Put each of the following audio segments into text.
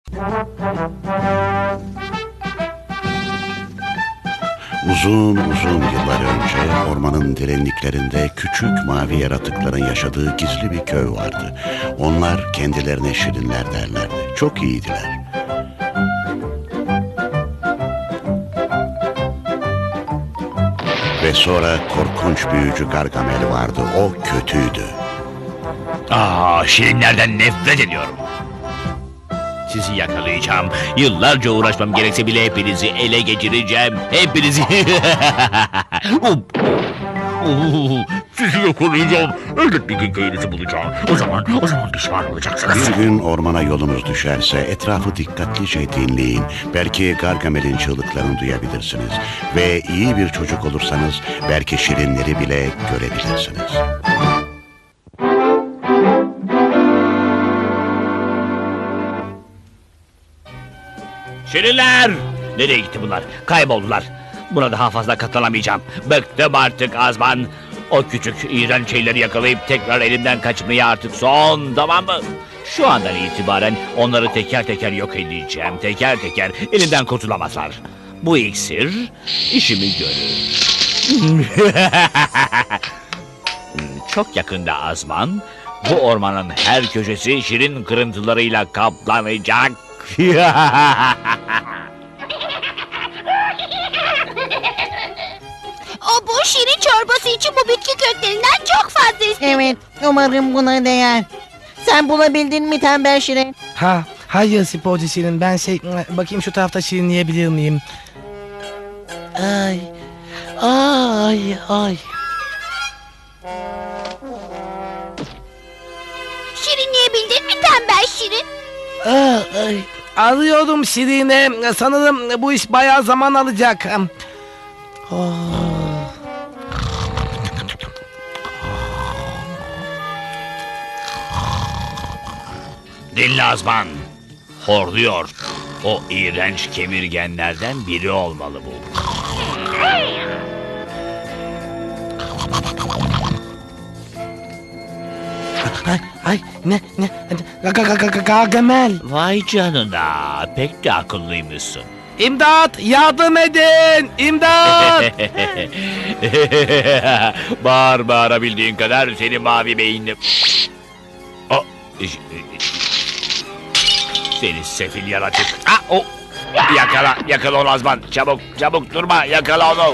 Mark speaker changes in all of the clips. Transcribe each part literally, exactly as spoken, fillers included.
Speaker 1: Uzun uzun yıllar önce ormanın derinliklerinde küçük mavi yaratıkların yaşadığı gizli bir köy vardı. Onlar kendilerine şirinler derlerdi. Çok iyiydiler. Ve sonra korkunç büyücü Gargamel vardı. O kötüydü.
Speaker 2: Aa, şirinlerden nefret ediyorum. Sizi yakalayacağım. Yıllarca uğraşmam gerekse bile hepinizi ele geçireceğim. Hepinizi. Sizi yakalayacağım. Elbet bir gün köyünüzü bulacağım. O zaman, o zaman pişman olacaksınız.
Speaker 1: Bir gün ormana yolunuz düşerse etrafı dikkatlice dinleyin. Belki Gargamel'in çığlıklarını duyabilirsiniz. Ve iyi bir çocuk olursanız belki şirinleri bile görebilirsiniz.
Speaker 2: Şirinler! Nereye gitti bunlar? Kayboldular. Buna daha fazla katlanamayacağım. Bıktım artık Azman. O küçük iğrenç şeyleri yakalayıp tekrar elimden kaçmaya artık son, tamam mı? Şu andan itibaren onları teker teker yok edeceğim. Teker teker elimden kurtulamazlar. Bu iksir işimi görür. Çok yakında Azman, bu ormanın her köşesi şirin kırıntılarıyla kaplanacak.
Speaker 3: O bu şirin çorbası için bu bitki köklerinden çok fazla istedim.
Speaker 4: Evet, umarım buna değer. Sen bulabildin mi tembel şirin?
Speaker 5: Ha, hayır sporcu şirin. Ben şey, bakayım şu tarafta şirinleyebilir miyim? Ay, ay, ay.
Speaker 3: Şirinleyebildin mi tembel şirin?
Speaker 5: Ay, ay. Arıyorum şirine. Sanırım bu iş bayağı zaman alacak. Oh.
Speaker 2: Dinle Azman. Horluyor. O iğrenç kemirgenlerden biri olmalı bu.
Speaker 5: Ay, ay, ne, ne, ga, ga, ga, ga, Gargamel.
Speaker 2: Vay canına, pek de akıllıymışsın.
Speaker 5: İmdat, yardım edin, imdat.
Speaker 2: Bağır bağırabildiğin kadar seni mavi beyinli. O, seni sefil yaratık. Ah, o. Yakala, yakala onu Azman. Çabuk, çabuk durma, yakala onu.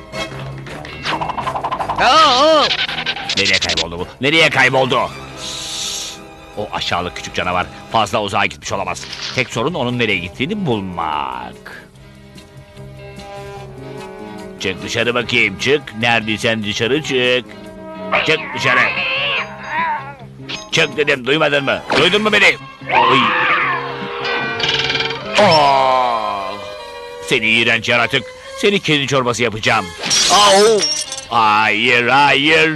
Speaker 5: Aa,
Speaker 2: Nereye kayboldu bu? Nereye kayboldu? O aşağılık küçük canavar fazla uzağa gitmiş olamaz. Tek sorun onun nereye gittiğini bulmak. Çık dışarı bakayım, çık. Neredeysen dışarı çık. Çık dışarı. Çık dedim, duymadın mı? Duydun mu beni? Oy. Oh. Seni iğrenç yaratık. Seni kedi çorbası yapacağım. Au. Hayır, hayır.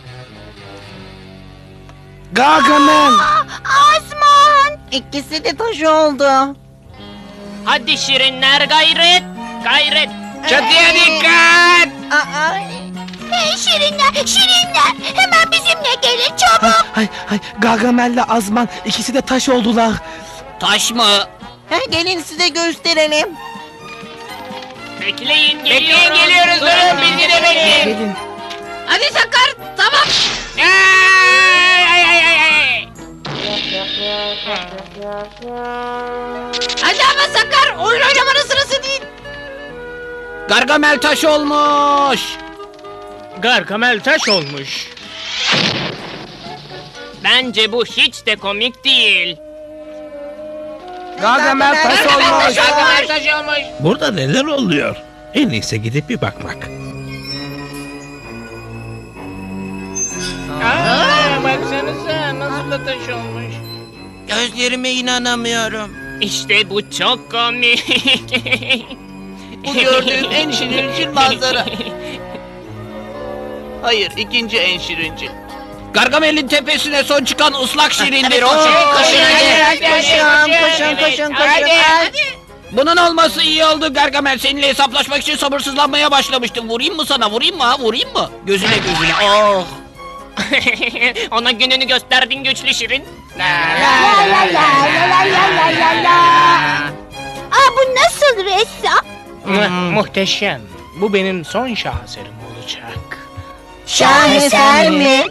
Speaker 5: Gargamel.
Speaker 3: Azman!
Speaker 4: İkisi de taş oldu.
Speaker 6: Hadi şirinler gayret, gayret.
Speaker 5: Çatıya dikkat.
Speaker 4: Aa,
Speaker 3: Hey şirinler, şirinler! Hemen bizimle gelin çabuk!
Speaker 5: Ay, ay, Gargamel'le Azman ikisi de taş oldular.
Speaker 6: Taş mı?
Speaker 4: ha, gelin size gösterelim.
Speaker 6: Bekleyin, bekleyin geliyoruz. Durun bizi de bekleyin.
Speaker 5: Gelin.
Speaker 6: Hadi Sakar, tamam. Ay, ay, ay, ay, ay. Hadi ama Sakar, oyun oynamanın sırası değil.
Speaker 5: Gargamel taş olmuş.
Speaker 7: Gargamel taş olmuş.
Speaker 6: Bence bu hiç de komik değil.
Speaker 5: Gargamel taş olmuş.
Speaker 6: Gargamel taş olmuş.
Speaker 8: Burada neler oluyor? En iyisi gidip bir bakmak.
Speaker 7: Aa, baksanıza nasıl da taş olmuş.
Speaker 4: Gözlerime inanamıyorum.
Speaker 6: İşte bu çok komik.
Speaker 4: Bu gördüğüm en şirincil manzara. Hayır, ikinci en şirincil.
Speaker 5: Gargamel'in tepesine son çıkan ıslak şirindir o.
Speaker 4: Koşun,
Speaker 6: koşun, hadi,
Speaker 4: koşun,
Speaker 6: hadi,
Speaker 4: koşun,
Speaker 6: hadi,
Speaker 4: koşun,
Speaker 6: hadi,
Speaker 4: koşun.
Speaker 6: hadi.
Speaker 5: Bunun olması iyi oldu Gargamel. Seninle hesaplaşmak için sabırsızlanmaya başlamıştım. Vurayım mı sana? Vurayım mı ha? Vurayım mı? Gözüne gözüne. Oh.
Speaker 6: Ona gününü gösterdin güçlü şirin.
Speaker 3: La la la la la la la la la. Nasıl ressam?
Speaker 7: Mu- Muhteşem. Bu benim son şaheserim olacak.
Speaker 4: Şaheser mi?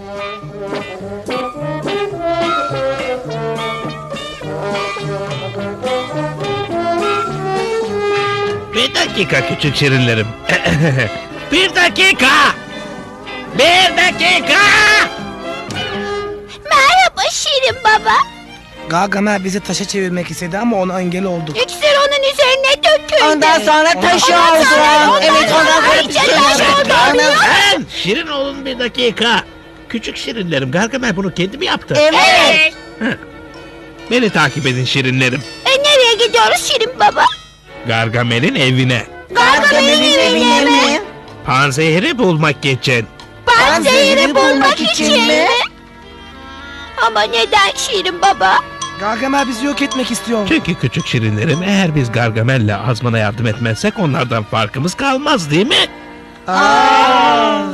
Speaker 8: Bir dakika küçük şirinlerim. Bir dakika. Bir dakika.
Speaker 3: Merhaba Şirin Baba.
Speaker 5: Gargamel bizi taşa çevirmek istedi ama ona engel olduk.
Speaker 3: İksir onun üzerine döküldü.
Speaker 4: Ondan sonra taş
Speaker 3: Ondan
Speaker 4: oldu.
Speaker 3: sonra- ondan
Speaker 4: Evet ondan
Speaker 3: sonra
Speaker 4: sonra
Speaker 3: iyice
Speaker 4: bir şey
Speaker 3: taş
Speaker 4: yaptı.
Speaker 3: oldu.
Speaker 4: Onu-
Speaker 8: Ben şirin olun bir dakika. Küçük şirinlerim, Gargamel bunu kendi mi yaptı?
Speaker 4: Evet.
Speaker 8: Beni takip edin şirinlerim.
Speaker 3: E, nereye gidiyoruz Şirin Baba?
Speaker 8: Gargamel'in evine.
Speaker 4: Gargamel'in evine mi?
Speaker 8: Panzehiri bulmak için.
Speaker 3: Panzehiri bulmak için mi? Ama neden Şirin Baba?
Speaker 5: Gargamel bizi yok etmek istiyor.
Speaker 8: Çünkü küçük şirinlerim, eğer biz Gargamel'le Azman'a yardım etmezsek onlardan farkımız kalmaz değil mi?
Speaker 5: Aa.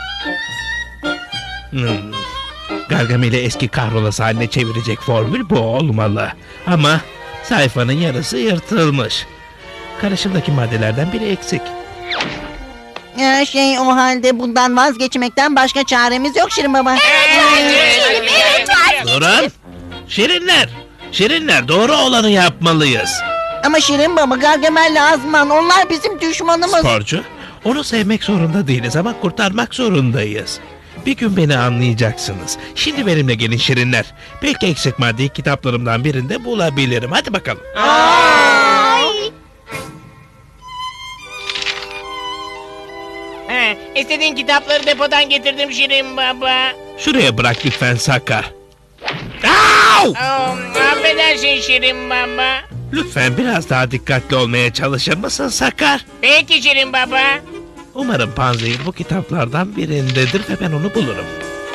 Speaker 8: Hmm. Gargamel'i eski kahrolası haline çevirecek formül bu olmalı. Ama sayfanın yarısı yırtılmış. Karışımdaki maddelerden biri eksik.
Speaker 4: Ya şey o halde bundan vazgeçmekten başka çaremiz yok Şirin Baba.
Speaker 3: Şirin, evet var.
Speaker 8: Durun! Şirinler! Şirinler, doğru olanı yapmalıyız.
Speaker 4: Ama Şirin Baba, Gargamel'le Azman onlar bizim düşmanımız.
Speaker 8: Sporcu, onu sevmek zorunda değiliz ama kurtarmak zorundayız. Bir gün beni anlayacaksınız. Şimdi benimle gelin şirinler. Belki eksik maddeyi kitaplarımdan birinde bulabilirim. Hadi bakalım.
Speaker 3: Ay.
Speaker 7: He, istediğin kitapları depodan getirdim Şirin Baba.
Speaker 8: Şuraya bırak lütfen Sakar. Au!
Speaker 7: Oh, affedersin Şirin Baba.
Speaker 8: Lütfen biraz daha dikkatli olmaya çalışır mısın Sakar?
Speaker 7: Peki Şirin Baba.
Speaker 8: Umarım Panzehir bu kitaplardan birindedir ve ben onu bulurum.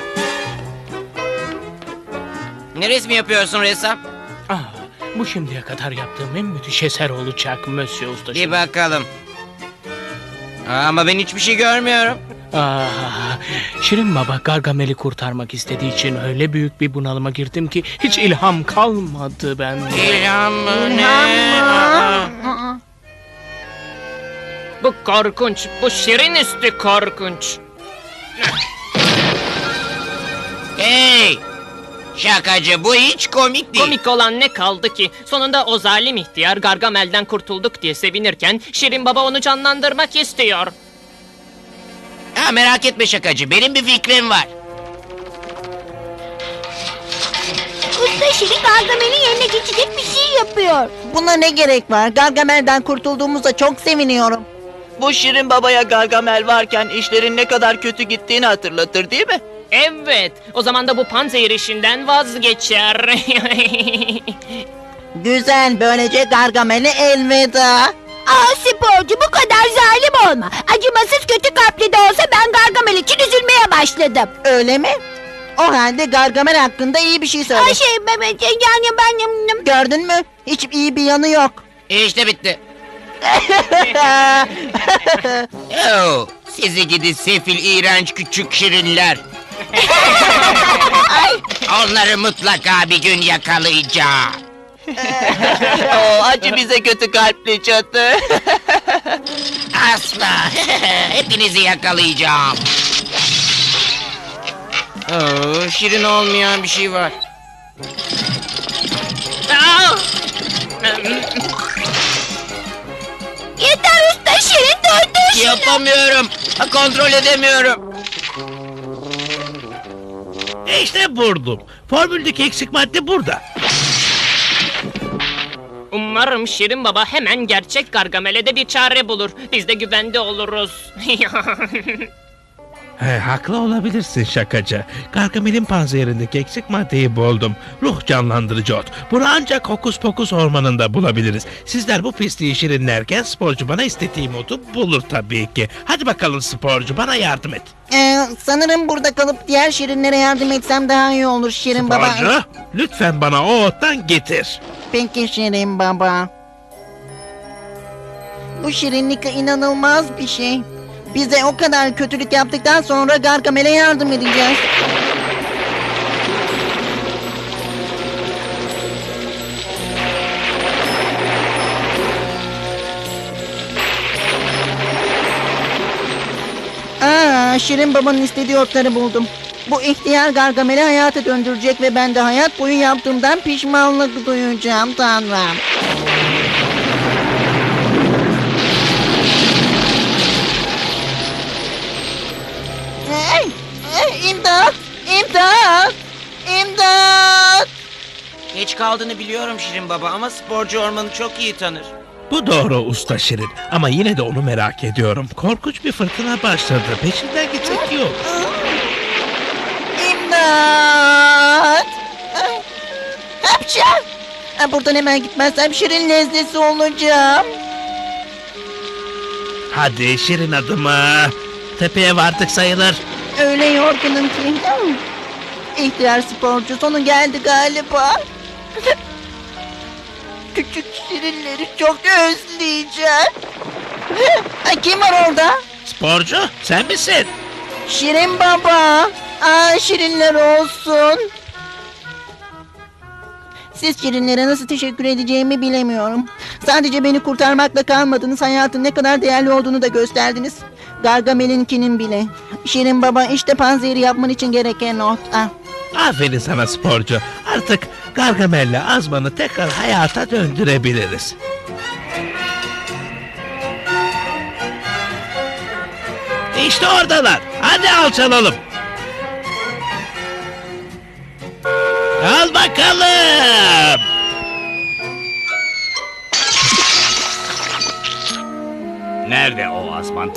Speaker 6: Ne resmi yapıyorsun ressam?
Speaker 7: Ah, bu şimdiye kadar yaptığım en müthiş eser olacak Monsieur Usta.
Speaker 6: Bir bakalım. Ama ben hiçbir şey görmüyorum.
Speaker 7: Ah, Şirin Baba Gargamel'i kurtarmak istediği için öyle büyük bir bunalıma girdim ki hiç ilham kalmadı bende.
Speaker 6: İlham mı ne?
Speaker 4: Aa.
Speaker 9: Bu korkunç, bu şirin üstü korkunç.
Speaker 6: Hey! Şakacı, bu hiç komik değil.
Speaker 9: Komik olan ne kaldı ki? Sonunda o zalim ihtiyar Gargamel'den kurtulduk diye sevinirken Şirin Baba onu canlandırmak istiyor.
Speaker 6: Ha, merak etme şakacı, benim bir fikrim var.
Speaker 3: Usta Şirin Gargamel'in yerine geçecek bir şey yapıyor.
Speaker 4: Buna ne gerek var? Gargamel'den kurtulduğumuzda çok seviniyorum.
Speaker 10: Bu Şirin Baba'ya Gargamel varken işlerin ne kadar kötü gittiğini hatırlatır değil mi?
Speaker 9: Evet, o zaman da bu panzehir işinden vazgeçer.
Speaker 4: Güzel, böylece Gargamel'e elveda.
Speaker 3: Aa sporcu bu kadar zalim olma. Acımasız kötü kalpli de olsa ben Gargamel için üzülmeye başladım.
Speaker 4: Öyle mi? O halde Gargamel hakkında iyi bir şey söyle.
Speaker 3: Ay şey ben, ben- yani ben...
Speaker 4: Gördün mü? Hiç iyi bir yanı yok.
Speaker 6: İşte bitti. Oh, sizi gidi sefil iğrenç küçük şirinler. Onları mutlaka bir gün yakalayacağım.
Speaker 10: O acı bize kötü kalpli çatı.
Speaker 6: Asla. Hepinizi yakalayacağım. Oo, şirin olmayan bir şey var.
Speaker 9: Aa!
Speaker 3: Yeter usta Şirin durdur şunu.
Speaker 6: Yapamıyorum. Kontrol edemiyorum.
Speaker 8: İşte buldum. Formüldeki eksik madde burada.
Speaker 9: Umarım Şirin Baba hemen gerçek Gargamel'e de bir çare bulur. Biz de güvende oluruz.
Speaker 8: He, haklı olabilirsin şakacı. Gargamel'in panzehirindeki eksik maddeyi buldum. Ruh canlandırıcı ot. Bunu ancak Hokus Pokus ormanında bulabiliriz. Sizler bu pisliği şirinlerken sporcu bana istediğim otu bulur tabii ki. Hadi bakalım sporcu, bana yardım et.
Speaker 4: Ee, sanırım burada kalıp diğer şirinlere yardım etsem daha iyi olur Şirin Baba.
Speaker 8: Sporcu, lütfen bana o ottan getir.
Speaker 4: Peki Şirin Baba. Bu şirinlik inanılmaz bir şey. Bize o kadar kötülük yaptıktan sonra Gargamel'e yardım edeceğiz. Şirin Baba'nın istediği otları buldum. Bu ihtiyar Gargamel'i hayata döndürecek ve ben de hayat boyu yaptığımdan pişmanlık duyacağım Tanrım. Ay, ay, İmdat! İmdat! İmdat!
Speaker 11: Geç kaldığını biliyorum Şirin Baba ama sporcu ormanı çok iyi tanır.
Speaker 8: Bu doğru usta Şirin ama yine de onu merak ediyorum. Korkunç bir fırtına başladı. Peşinden gitsek iyi olur.
Speaker 4: İmdat! Ay, hapşa! Ha, buradan hemen gitmezsem Şirin lezzesi olacağım.
Speaker 8: Hadi Şirin adımı. Tepeye vardık sayılır.
Speaker 4: Öyle yorgunum ki. Hmm. İhtiyar sporcu sonu geldi galiba. Küçük şirinleri çok özleyeceğim. Ha, kim var orada?
Speaker 8: Sporcu sen misin?
Speaker 4: Şirin Baba. Aa, şirinler olsun. Siz şirinlere nasıl teşekkür edeceğimi bilemiyorum. Sadece beni kurtarmakla kalmadınız. Hayatın ne kadar değerli olduğunu da gösterdiniz. Gargamel'inkinin bile. Şirin Baba işte panzehiri yapman için gereken not. Ah.
Speaker 8: Aferin sana sporcu. Artık Gargamel'le Azman'ı tekrar hayata döndürebiliriz. İşte oradalar. Hadi alçalalım. Al bakalım.
Speaker 2: Nerede o Azman?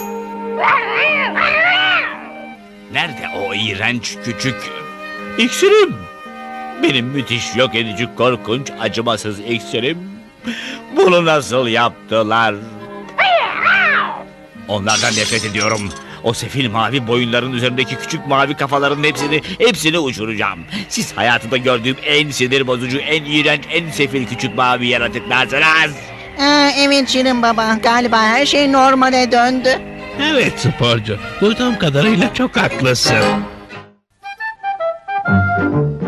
Speaker 2: Nerede o iğrenç küçük iksirim? Benim müthiş yok edici korkunç acımasız iksirim. Bunu nasıl yaptılar? Onlardan nefret ediyorum. O sefil mavi boyunların üzerindeki küçük mavi kafaların hepsini, hepsini uçuracağım. Siz hayatımda gördüğüm en sinir bozucu, en iğrenç, en sefil küçük mavi yaratıklarsınız.
Speaker 4: Aa, evet Şirin Baba. Galiba her şey normale döndü.
Speaker 8: Evet sporcu. Duyduğum kadarıyla çok haklısın.